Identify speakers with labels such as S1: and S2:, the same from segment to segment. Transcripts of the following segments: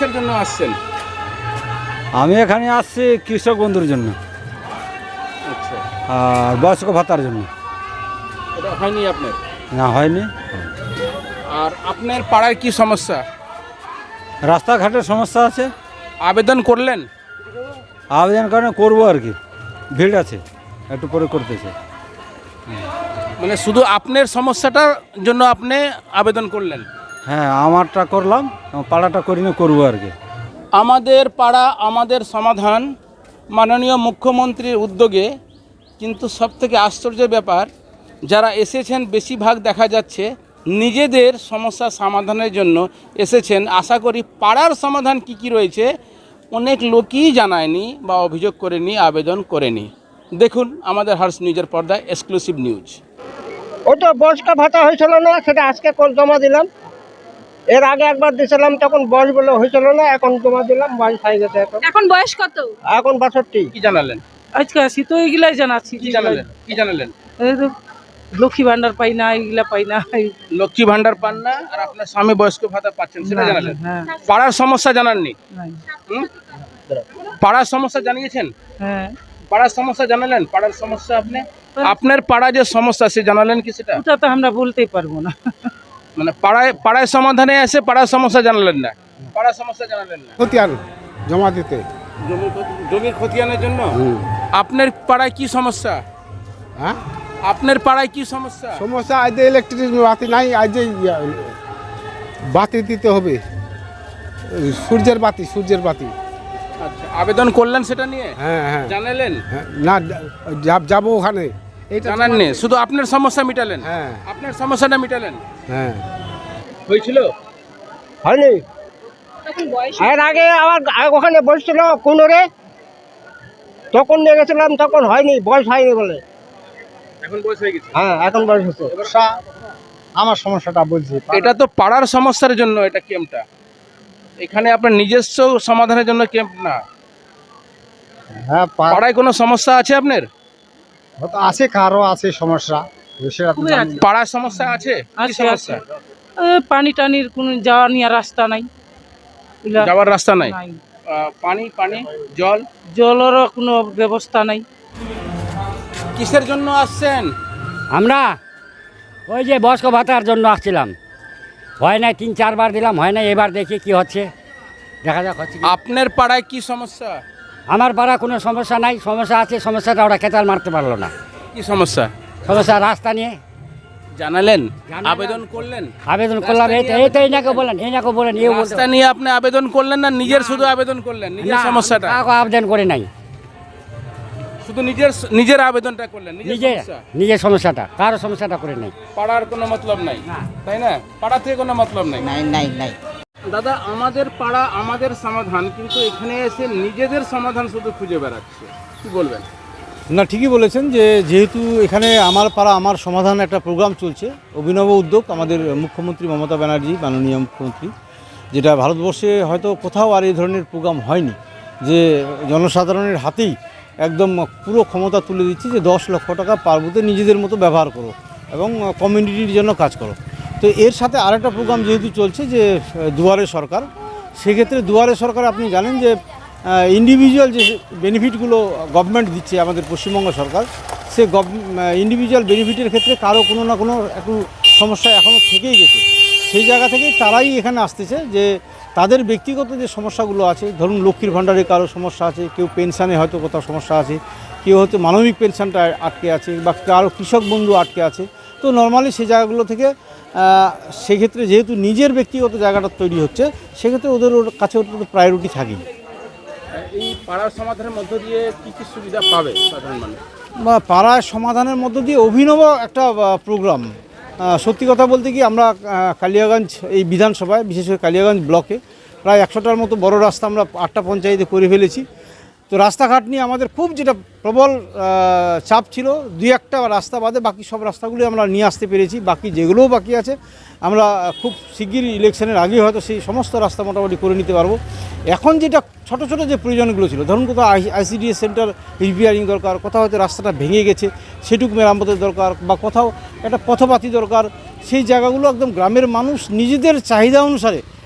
S1: কিসের জন্য আসছেন?
S2: আমি এখানে আসছি কৃষক বন্ধুর জন্য
S1: আচ্ছা,
S2: আর বয়স্ক ভাতার জন্য।
S1: এটা হয়নি আপনার?
S2: না, হয়নি।
S1: আর আপনার পাড়ায় কি সমস্যা?
S2: রাস্তাঘাটের সমস্যা আছে।
S1: আবেদন করলেন?
S2: আবেদন কারণে করবো আর কি, ভিড় আছে, একটু পরে করতেছে।
S1: মানে শুধু আপনার সমস্যাটার জন্য আপনি আবেদন করলেন?
S2: হ্যাঁ, আমারটা করলাম, আমার পাড়াটা করি না, করবো আর কি।
S1: আমাদের পাড়া আমাদের সমাধান মাননীয় মুখ্যমন্ত্রীর উদ্যোগে, কিন্তু সবথেকে আশ্চর্যের ব্যাপার, যারা এসেছেন বেশিরভাগ দেখা যাচ্ছে নিজেদের সমস্যা সমাধানের জন্য এসেছেন। আশা করি পাড়ার সমাধান কি রয়েছে অনেক লোকই জানায়নি বা অভিযোগ করেনি, আবেদন করেনি। দেখুন আমাদের হার্স নিউজের পর্দায় এক্সক্লুসিভ নিউজ।
S3: ওটা বয়স্ক ভাতা হয়েছিল না, সেটা আজকে জমা দিলাম। এর আগে একবার দিয়েছিলাম, তখন বয়স বলে হয়েছিল না, এখন জমা দিলাম, বয়স হয়ে গেছে।
S4: এখন বয়স কত?
S3: এখন 62।
S1: কি জানালেন?
S5: আজকে আসি তো এইগুলাই জানাচ্ছি।
S1: কি জানালেন? কি জানালেন?
S5: এই তো লক্ষ্মী ভান্ডার পাই না, এইগুলা পাই না।
S1: লক্ষ্মী ভান্ডার পান না, আর আপনার স্বামী বয়স্ক ভাতা পাচ্ছেন, সেটা জানালেন।
S5: হ্যাঁ,
S1: পাড়ার সমস্যা জানাননি?
S5: নাই।
S1: হুম? পাড়ার সমস্যা জানিয়েছেন?
S5: হ্যাঁ,
S1: পাড়ার সমস্যা জানালেন? পাড়ার সমস্যা আপনি আপনার পাড়া যে সমস্যা সে জানালেন কি সেটা?
S5: ওটা তো আমরা বলতেই পারবো না।
S1: মানে পাড়ায় সমাধানে এসে পাড়ার সমস্যা জানালেন না, পাড়ার সমস্যা জানালেন না।
S6: খতিয়ান জমা দিতে।
S1: জমির খতিয়ানের জন্য? আপনার পাড়ায় কি সমস্যা?
S6: হ্যাঁ,
S1: আপনার পাড়ায় কি সমস্যা?
S6: সমস্যা আজ যে ইলেকট্রিক বাতি নাই, আজ যে বাতি দিতে হবে, সূর্যের বাতি।
S1: আচ্ছা, আবেদন করলেন সেটা নিয়ে?
S6: হ্যাঁ হ্যাঁ
S1: জানালেন?
S6: হ্যাঁ, না যাবো ওখানে, এটা
S1: জানাননি, শুধু আপনার সমস্যা মিটালেন?
S6: হ্যাঁ
S1: আপনার সমস্যাটা মিটালেন।
S6: হ্যাঁ।
S1: হয়েছিল?
S3: হয়নি।
S4: এখন বয়স
S3: এর আগে আবার ওখানে বসছিল কোনরে, তখন নিয়ে গেছিলাম, তখন হয়নি, বয়স হয়নি বলে।
S1: এখন বয়স হয়ে গেছে।
S3: হ্যাঁ, এখন বয়স হচ্ছে।
S6: আমার সমস্যাটা বলছি।
S1: এটা তো পাড়ার সমস্যার জন্য এটা ক্যাম্পটা, এখানে আপনার নিজস্ব সমাধানের জন্য ক্যাম্প না।
S6: হ্যাঁ,
S1: পাড়ায় কোনো সমস্যা আছে আপনার?
S6: আছে, কারো আছে সমস্যা, সেটা তো
S5: খুবই
S6: জানি
S5: আছে।
S6: না।
S1: পাড়ার সমস্যা আছে? কি
S5: আছে,
S1: সমস্যা?
S5: পানি টানির কোনো যাওয়া নিয়ে রাস্তা নাই, এগুলা
S1: যাওয়ার রাস্তা নাই?
S5: নাই।
S1: পানি জল?
S5: জলেরও কোনো ব্যবস্থা নাই।
S1: কিসের জন্য আসছেন?
S7: আমরা ওই যে বয়স্ক ভাতার জন্য আসছিলাম, হয় নাই, 3-4 বার দিলাম, হয় নাই, এবার দেখি কি হচ্ছে, দেখা যাক হচ্ছে কি।
S1: আপনার পাড়ায় কি সমস্যা?
S7: আমার পাড়া কোনো সমস্যা নাই, সমস্যা আছে, সমস্যাটা ওরা কেতাল মারতে পারলো না।
S1: কি সমস্যা?
S7: সমস্যা রাস্তা নিয়ে।
S1: জানালেন?
S7: জানালাম।
S1: আবেদন করলেন?
S7: আবেদন করলাম, এই তো এনাকে বলেন এও বলতে
S1: রাস্তা নিয়ে আপনি আবেদন করলেন না নিজের শুধু আবেদন করলেন? নিজের সমস্যাটা
S7: কাউকে আবেদন করে নাই,
S1: শুধু নিজের আবেদনটা করলেন,
S7: নিজের
S1: সমস্যা।
S7: নিজের সমস্যাটা, কারো সমস্যাটা করে নাই।
S1: পাড়ার কোনো মতলব নাই, তাই না? পাড়া থেকে কোনো মতলব নাই।
S7: নাই।
S1: দাদা, আমাদের পাড়া আমাদের সমাধান, কিন্তু এখানে এসে নিজেদের সমাধান শুধু খুঁজে বেড়াচ্ছে, কি বলবেন?
S2: না, ঠিকই বলেছেন যে যেহেতু এখানে আমার পাড়া আমার সমাধান একটা প্রোগ্রাম চলছে, অভিনব উদ্যোগ আমাদের মুখ্যমন্ত্রী মমতা ব্যানার্জি, মাননীয় মুখ্যমন্ত্রী, যেটা ভারতবর্ষে হয়তো কোথাও আর এই ধরনের প্রোগ্রাম হয়নি, যে জনসাধারণের হাতেই একদম পুরো ক্ষমতা তুলে দিচ্ছি যে 10 লক্ষ টাকা পার বুথে নিজেদের মতো ব্যবহার করো এবং কমিউনিটির জন্য কাজ করো। তো এর সাথে আরেকটা প্রোগ্রাম যেহেতু চলছে যে দুয়ারে সরকার, সেক্ষেত্রে দুয়ারে সরকার আপনি জানেন যে ইন্ডিভিজুয়াল যে বেনিফিটগুলো গভর্নমেন্ট দিচ্ছে আমাদের পশ্চিমবঙ্গ সরকার, সে ইন্ডিভিজুয়াল বেনিফিটের ক্ষেত্রে কারো কোনো না কোনো একটু সমস্যা এখনও থেকেই গেছে। সেই জায়গা থেকেই তারাই এখানে আসতেছে যে তাদের ব্যক্তিগত যে সমস্যাগুলো আছে, ধরুন লক্ষ্মীর ভাণ্ডারে কারো সমস্যা আছে, কেউ পেনশানে হয়তো কোথাও সমস্যা আছে, কেউ হয়তো মানবিক পেনশনটা আটকে আছে, বা কারো কৃষক বন্ধু আটকে আছে। তো নর্মালি সেই জায়গাগুলো থেকে সেক্ষেত্রে যেহেতু নিজের ব্যক্তিগত জায়গাটা তৈরি হচ্ছে, সেক্ষেত্রে ওদের কাছে ওদের প্রায়োরিটি থাকেই।
S1: এই পাড়ার সমাধানের মধ্য দিয়ে কি সুবিধা পাবে সাধারণ মানুষ?
S2: বা পাড়ায় সমাধানের মধ্য দিয়ে অভিনব একটা প্রোগ্রাম। সত্যি কথা বলতে কি, আমরা কালিয়াগঞ্জ এই বিধানসভায়, বিশেষ করে কালিয়াগঞ্জ ব্লকে প্রায় 100টার মতো বড় রাস্তা আমরা 8টা পঞ্চায়েতে করে ফেলেছি। তো রাস্তাঘাট নিয়ে আমাদের খুব যেটা প্রবল চাপ ছিল, 2-1টা রাস্তা বাদে বাকি সব রাস্তাগুলি আমরা নিয়ে আসতে পেরেছি। বাকি যেগুলোও বাকি আছে আমরা খুব শিগগিরই ইলেকশনের আগে হয়তো সেই সমস্ত রাস্তা মোটামুটি করে নিতে পারবো। এখন যেটা ছোট ছোট যে প্রয়োজনগুলো ছিল, ধরুন কোথাও আইসিডিএস সেন্টার রিপেয়ারিং দরকার, কোথাও হয়তো রাস্তাটা ভেঙে গেছে সেটুকু মেরামতের দরকার, বা কোথাও একটা পথপাতি দরকার, সেই জায়গাগুলো একদম গ্রামের মানুষ নিজেদের চাহিদা অনুসারে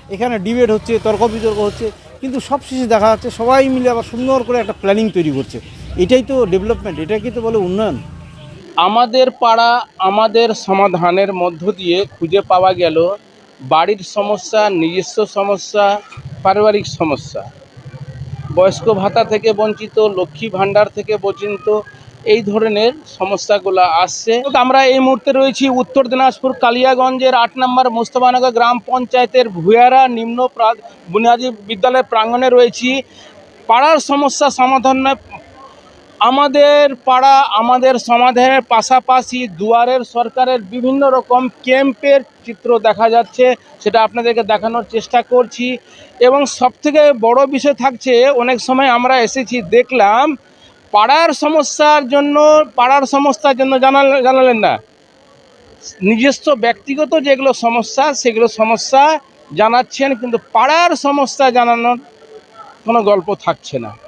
S2: এখানে ডিবেট হচ্ছে, তর্ক বিতর্ক হচ্ছে, কিন্তু সব শেষে দেখা যাচ্ছে সবাই মিলে আবার সুন্দর করে একটা প্ল্যানিং তৈরি করছে। এটাই তো ডেভেলপমেন্ট, এটাকে তো বলে উন্নয়ন।
S1: আমাদের পাড়া আমাদের সমাধানের মধ্য দিয়ে খুঁজে পাওয়া গেল বাড়ির সমস্যা, নিজস্ব সমস্যা, পারিবারিক সমস্যা, বয়স্ক ভাতা থেকে বঞ্চিত, লক্ষ্মী ভাণ্ডার থেকে বঞ্চিত, এই ধরনের সমস্যাগুলো আসছে। আমরা এই মুহূর্তে রয়েছি উত্তর দিনাজপুর কালিয়াগঞ্জের 8 নম্বর মোস্তফানগর গ্রাম পঞ্চায়েতের ভুয়ারা নিম্ন বুনিয়াদী বিদ্যালয়ের প্রাঙ্গণে রয়েছি। পাড়ার সমস্যা সমাধানে আমাদের পাড়া আমাদের সমাধানের পাশাপাশি দুয়ারের সরকারের বিভিন্ন রকম ক্যাম্পের চিত্র দেখা যাচ্ছে, সেটা আপনাদেরকে দেখানোর চেষ্টা করছি। এবং সবথেকে বড় বিষয় থাকছে, অনেক সময় আমরা এসেছি দেখলাম পাড়ার সমস্যার জন্য জানালেন না, নিজস্ব ব্যক্তিগত যেগুলো সমস্যা সেগুলো সমস্যা জানাচ্ছেন, কিন্তু পাড়ার সমস্যা জানানোর কোনো গল্প থাকছে না।